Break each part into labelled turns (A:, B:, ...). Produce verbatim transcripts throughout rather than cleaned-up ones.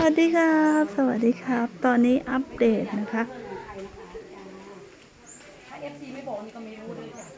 A: วัสดีครับสวัสดีครับตอนนี้อัปเดตนะคะ
B: ถ้า เอฟ ซี ไม่บอกนี่ก็ไม่รู้เลยจ้ะ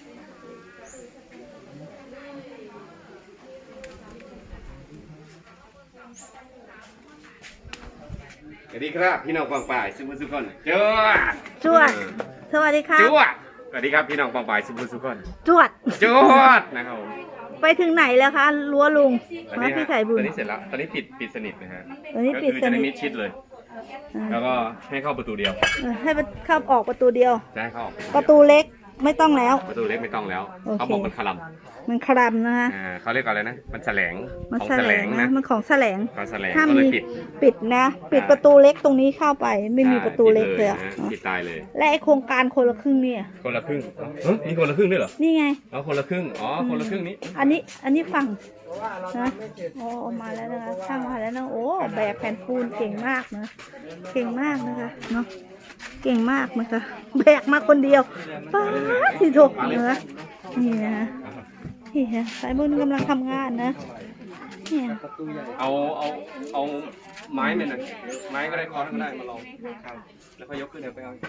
C: สวัสดีครับพี่น้องปองป่ายสุภุสุคนจวด
A: จวดสวัสดีครับ
C: จวดสวัสดีครับพี่น้องปองป่ายสุภุสุคน
A: จวด
C: จวดนะครับผม
A: ไปถึงไหนแล้วคะรั้วลุง
C: ตอน
A: มา
C: นี้
A: พี่
C: ฮะ
A: ไข่บุ
C: ต
A: ญ
C: อนนี้เสร็จแล้วตอนนี้ปิดปิดสนิทนะฮะ
A: ตอนนี้
C: ก็
A: ปิด
C: คือ
A: ส
C: จะได้
A: นิ
C: มิ
A: ท
C: ดชิดเลย
A: อ่า
C: แล้วก็ให้เข้าประตูเดียว
A: เออให้เข้าออกประตูเดียว
C: จะให้เข้าออก
A: ประตูเล็กไม่ต้องแล้ว
C: ประตูเล็กไม่ต้องแล้ว
A: โอเค
C: เขาบอกมันขลัม
A: มันคลำนะคะ
C: อ่าเขาเรียกอะไรนะมันแสลง
A: มัน
C: ของ
A: แส
C: แส
A: ล
C: ล
A: ง
C: ง
A: นะ
C: นะ
A: มันของแสลง
C: ของแสลง
A: ห้าม
C: ก็เลย
A: มี
C: ปิด
A: ปิดนะ ปิดประตูเล็กตรงนี้เข้าไปไม่มีประตูเล็กเลยอะ
C: ปิดนะปิดตายเลย
A: และไอโครงการคนละครึ่งเนี่ย
C: คนละครึ่งเฮ้ยมีคนละครึ่งด้วยเหรอ
A: นี่ไง
C: เอาคนละครึ่งอ๋อคนละครึ่งนี้
A: อันนี้อันนี้ฝั่งนะโอ้มาแล้วนะคะช่างมาแล้วนะโอ้แบกแผ่นปูนเก่งมากนะเก่งมากนะคะเนาะเก่งมากนะคะแบกมาคนเดียวป้าที่ถูกนะคะนี่นะนี่ฮะสายบุญกำลังทำงานนะเนี่ย
C: เอาเอาเอาไม้เนี่ยนะไม้ก็ได้คอนก็ได้มาลองครับแล้วก็ยกขึ้นเดี๋ยวไปเอา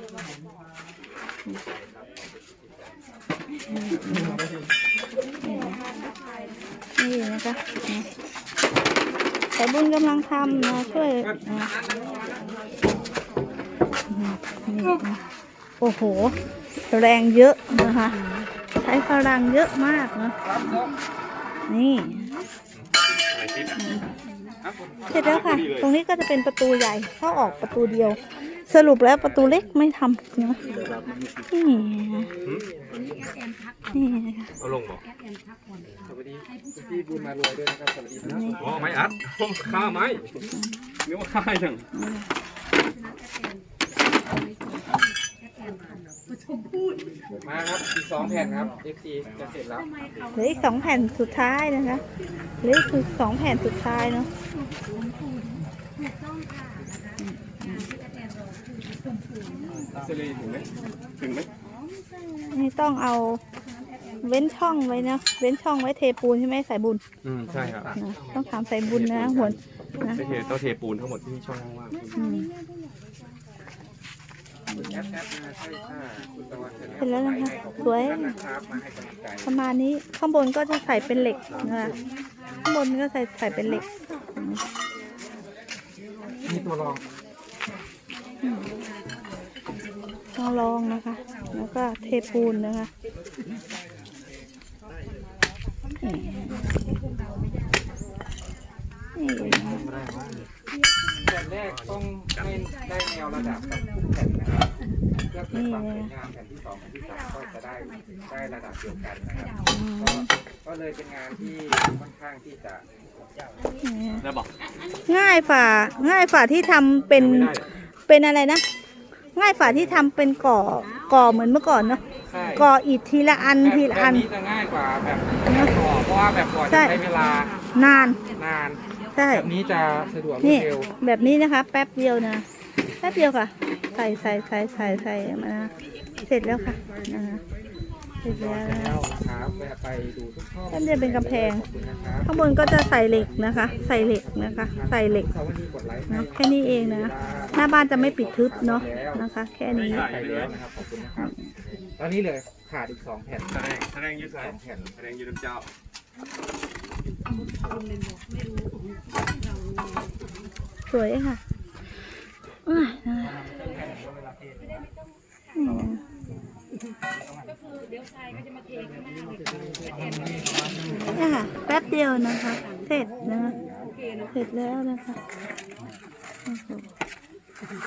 A: นี่นะคะสายบุญกำลังทำนะช่วยนะนี่นะโอ้โหแรงเยอะนะคะใช้พลังเยอะมากนะนี่
C: อะไรคิดอ่ะ
A: เสร็จแล้วค่ะ ตรงนี้ก็จะเป็นประตูใหญ่เข้าออกประตูเดียว สรุปแล้วประตูเล็กไม่ทำนะนี่นี่นะคะ
C: เอาลงบอก
D: สวัสดีพี่บุญมารวยด้วยนะครับสวัสดีครับ
A: นี่
C: อ๋อไม้อัดข้าไม้นึกว่าข้าอย่าง
D: มาครับอีกสองแผ่นครับ เอฟ ซี จะเสร็จแล้ว
A: เหลืออีกสองแผ่นสุดท้ายนะคะเหลืออีกสองแผ่นสุดท้ายเนาะ
C: เซเลถึงไหมถึงไหม
A: นี่ต้องเอาเว้นช่องไว้นะเว้นช่องไว้เทปูนใช่ไหมสายบุญ
C: อืมใช่ครับ
A: นะต้องถามสายบุญนะหัวนะ
C: ไม่เทต้องเทปูนทั้งหมดที่ช่องว่าง
A: อืม
D: แอปแอปนะใช่ค่ะคุณตะวัน
A: เสร็จแล้วนะคะสวย
D: นะครับมาให้กำลังใจ
A: ประมาณนี้ข้างบนก็จะใส่เป็นเหล็กนะคะข้างบนก็ใส่ใส่เป็นเหล็ก
D: มีตัวรอง
A: ต้องลองนะคะ แล้วก็เทปูนนะคะนี่นี่นะคะ
D: แผ่นแรกต้องให้ได้แนวระดับกับทุกแผ่นนะครับเพื่อเกิดความสวยงามแผ่นที่สองแผ่นที่สามก็จะได้ได้ระดับเดียวกันนะครับก็ก็เลยเป็นงานที่ค่อนข้างที่จะ
A: นี่
C: แล้วบอก
A: ง่ายฝ่าง่ายฝ่าที่ทำเป็นเป็นอะไรนะ ง่ายฝ่าที่ทำเป็นก่อก่อเหมือนเมื่อก่อนเนาะ
D: ใช่
A: ก่ออิฐทีละอันทีละ
D: แบ
A: อั
D: บ
A: น
D: นี้จะง่ายกว่าแบบแบบก่อเพราะว่าแบบก่อจะ
A: ใช่
D: ใช้เวลาน
A: าน
D: นาน
A: ใช่
D: แบบนี้จะสะดวกรว
A: นี่
D: ดเร็ว
A: แบบนี้นะคะ แป๊บเดียวนะแป๊บเดียวค่ะ ใส่ใส่ใส่ใส่ใส่มานะเสร็จแล้วค่ะนะคะเสร็จแล้วนะ
D: แล้วนะครับแวะไปดูทุกช่อง
A: แป๊บเดียวเป็นกำแพง
D: ขอบคุณนะครับ
A: ข้างบนก็จะใส่เหล็กนะคะ ใส่เหล็กนะคะ ใส่เหล็ก
D: เขาวันนี้กดไลค์ให้
A: เนาะแค่นี้เองนะหน้าบ้านจะไม่ปิดทึบเนาะนะคะ แค่นี้
D: ไปแล้วนะครับขอบคุณนะครับตอนนี้เหลือขาดอีกสองแผ่น
C: แสดงแสดงยืดสายแสดงยืดน้ำเจ้า
A: สวยค่ะอ่ะนะคะนี่นะเนี่ยค่ะแป๊บเดียวนะคะ เสร็จนะคะเสร็จแล้วนะคะโอ้โห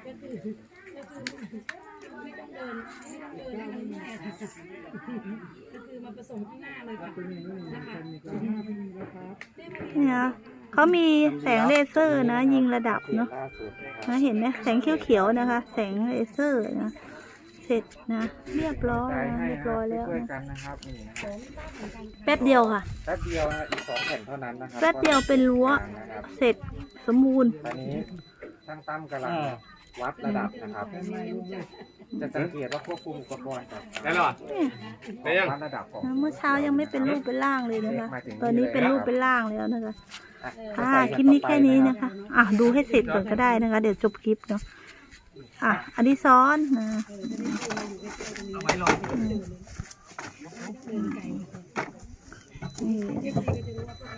A: เนี่ยเขามีแสงเลเซอร์นะ ยิงระดับเนาะ
D: ล่าสุดนะครับ
A: นะเห็นไหมแสงเขียวๆนะคะ แสงเลเซอร์นะ เสร็จนะ เรียบร้อย
D: ใจ
A: นะ
D: ให้
A: เรียบ
D: ค
A: ร้
D: รั
A: อบ ยแล้ว
D: ช่วย
A: นะ
D: กันนะครับนี่นะครับ
A: แป๊บเดียวค่ะ
D: แป๊บเดียวนะอีกสองแผ่นเท่านั้นนะครับ
A: แป๊บเดียวเป็นรั้ว
D: นะครับ
A: เสร็จสมบูรณ์
D: ตอนนี้ช่างตั้มกำลังวัดระดับนะครับจะสังเกตว่าควบคุมอุปกรณ์กับ
C: ได้แล้วเหรอ ได้ยัง
D: วัดระดับของ
A: เมื่อเช้ายังไม่เป็นรูปเป็นร่างเลยนะคะ
D: มาถึงนี่
A: ตอนนี้เป็น
D: เลย
A: รูปเป็นร่างแล้วนะคะ
D: อ่ะ
A: ค่ะ คลิปนี้แค่นี้นะคะ อ่ะ ดูให้เสร็จก่อนก็ได้นะคะ เดี๋ยวจบคลิปเนาะ อ่ะอดิศรนะ
C: เอาไว้รอ
A: นี่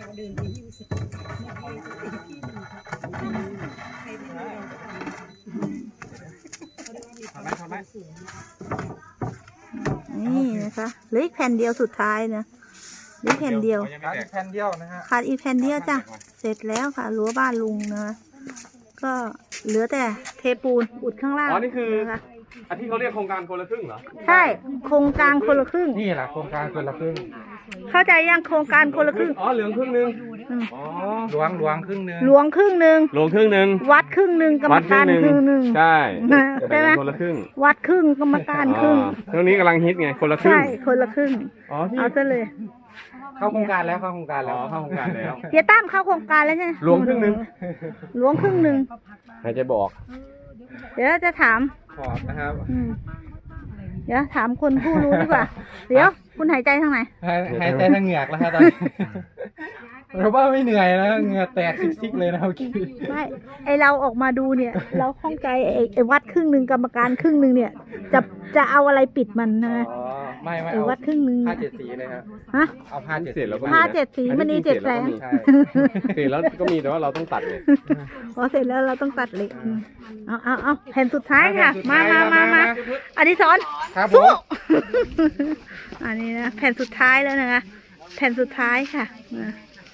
A: นี่นะคะเหลืออีกแผ่นเดียวสุดท้ายนะเหลืออีกแผ่นเดียว
D: ขาดอีกแผ่นเดียวนะฮะ
A: ขาดอีกแผ่นเดียวจ้ะ เสร็จแล้วค่ะรั้วบ้านลุงนะ ก็เหลือแต่เทปูนอุดข้างล่าง
C: อ๋อนี่คือ
A: นะคะ
C: อันที่เขาเรียกโครงการคนละครึ่งเหรอ
A: ใช่โครงการคนละครึ่ง
D: นี่แหละโครงการคนละครึ่ง
A: เข้าใจยังโครงการคนละครึ่ง
C: อ๋อเหลืองครึ่งหนึง
A: อืม
C: อ๋อ
D: หลวงหลวงครึ่งหนึง
A: หลวงครึ่งหนึ่ง
C: หลวงครึ่งหนึง
A: วัดครึ่งหนึ่งกรรมการครึ่งหนึ่ง
C: ใช่
A: ใช่ไหม
C: คนละครึ่ง
A: วัดครึ่งกรรมการครึ่ง
C: อ๋อช่วงนี้กำลังฮิตไงคนละครึ่ง
A: ใช่คนละครึ่ง
C: อ๋อที่
A: เอาซะเลย
D: เข้าโครงการแล้วเข้าโครงการ
C: อ๋
D: แล้
C: อ
D: ว
C: เข้าโครงการแล้ว
A: เฮียตั้มเข้าโครงการแล้วใช่ไหม
C: หลวงครึ่งหนึ่ง
A: หลวงครึ่งหนึ่ง
C: ใครจะบอก
A: เดี๋ยวจะถาม
C: ขอบนะครับ
A: อืมเดี๋ยวถามคนผู้รู้ดีกว่า เดี๋ยวคุณหายใจทางไหน
D: หายหายใจทางเหงือกแล้วครับตอนนี้เราว่าไม่เหนื่อยนะเหงื่อแตกซิกๆเลยนะเมื่อกี้
A: ไม่ไอเราออกมาดูเนี่ย เราข้องใจไอไอวัดครึ่งหนึ่งกรรมการครึ่งหนึ่งเนี่ย จะจะเอาอะไรปิดมันนะ
D: อ๋อไม่ไม่
A: ไอ
D: เอา
A: วัดครึ่งหนึ่ง
D: ผ้าเจ็ดสีเลยครับ
A: ฮะ
D: เอาผ้าเจ็ด
C: เสร็จแล้วก็
A: ผ้าเจ็ดสีมันนีเจ็ดแสง
D: ใช่
C: เสร็จแล้วก็มีแต่ว่าเราต้องตัดเลย
A: พอเสร็จแล้วเราต้องตัดเหล็กอืมเอาเอาเอาแผ่นสุดท้ายค่ะ มามามามาอดิศร
D: ครับผ
A: สู้
D: ม
A: อันนี้นะแผ่นสุดท้ายแล้วนะคะ แผ่นสุดท้ายค่ะนะ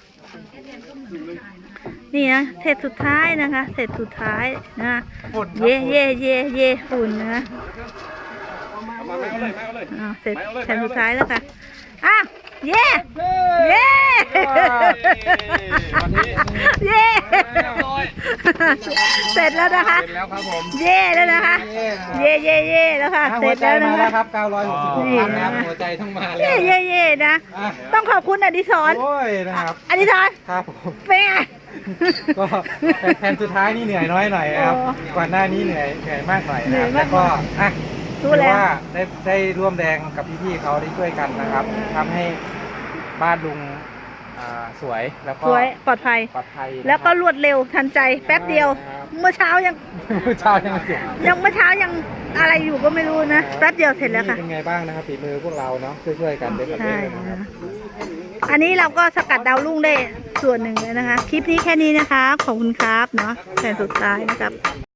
A: นี่นะเสร็จสุดท้ายนะคะเสร็จสุดท้ายนะเย่เย่เย่เย่ฝุ่นนะ
C: เอามาไม่เอาเลยไม่เอาเลย
A: อ่าเสร็จแผ่นสุดท้ายแล้วค่ะอ่ะเย่เย่
C: วันนี้
A: เย่เสร็จแล้วนะคะ
D: เสร็จแล้วครับผม
A: เย่แล้วนะคะ เย่เย่เย่แล้วค่ะ
D: อ่ะ
A: เส
D: หั
A: ร็
D: ว
A: จ
D: ใจ
A: แล้ว
D: มา
A: นะ
D: แล้ว
A: คะ
D: ครับเก้าร้อยหกสิบหก
A: นี่
D: ครั้งนะครับ
A: นะ
D: หัวใจต้องมาแล้ว
A: เย่เย่เย่นะ
D: อ่ะ
A: ต้องขอบคุณอดิศร
D: โอ้ยนะครับ
A: อดิศร
D: ครับผม
A: เป็นไง
D: ก็แผ่นสุดท้ายนี่เหนื่อยน้อยหน่อยนะครับ
A: อ๋อ
D: ก่อนหน้านี้เหนื่อยเหนื่อยมากหน่อย
A: เหนื่
D: นะ
A: อย
D: ครับ
A: มาก
D: แล้วก็อ่ะ
A: รู้
D: ถือ
A: แล้ว
D: ว่าได้ได้ร่วมแรงกับพี่ๆเขาได้ช่วยกันนะครับทำให้บ้านลุงอ่าสวยแล้วก็
A: สวยปลอดภัย
D: ปลอดภัยนะครับ
A: แล้วก็รวดเร็วทันใจแป๊บเดียว
D: ครับ
A: เมื่อเช้ายัง
D: เช้ายังไม่เสร็จ
A: ยังเมื่อเช้ายังอะไรอยู่ก็ไม่รู้นะแป๊บเดียวเสร็จแล้วค่ะ
D: เป็นไงบ้างนะครับฝีมือพวกเราเนาะช่วยๆกันเด็กกับ
A: ใช่
D: เด็กนะครับ
A: อันนี้เราก็สกัดดาวรุ่งได้ส่วนหนึ่งเลยนะคะ คลิปนี้แค่นี้นะคะ ขอบคุณครับเนาะแผ่นสุดท้ายนะครับ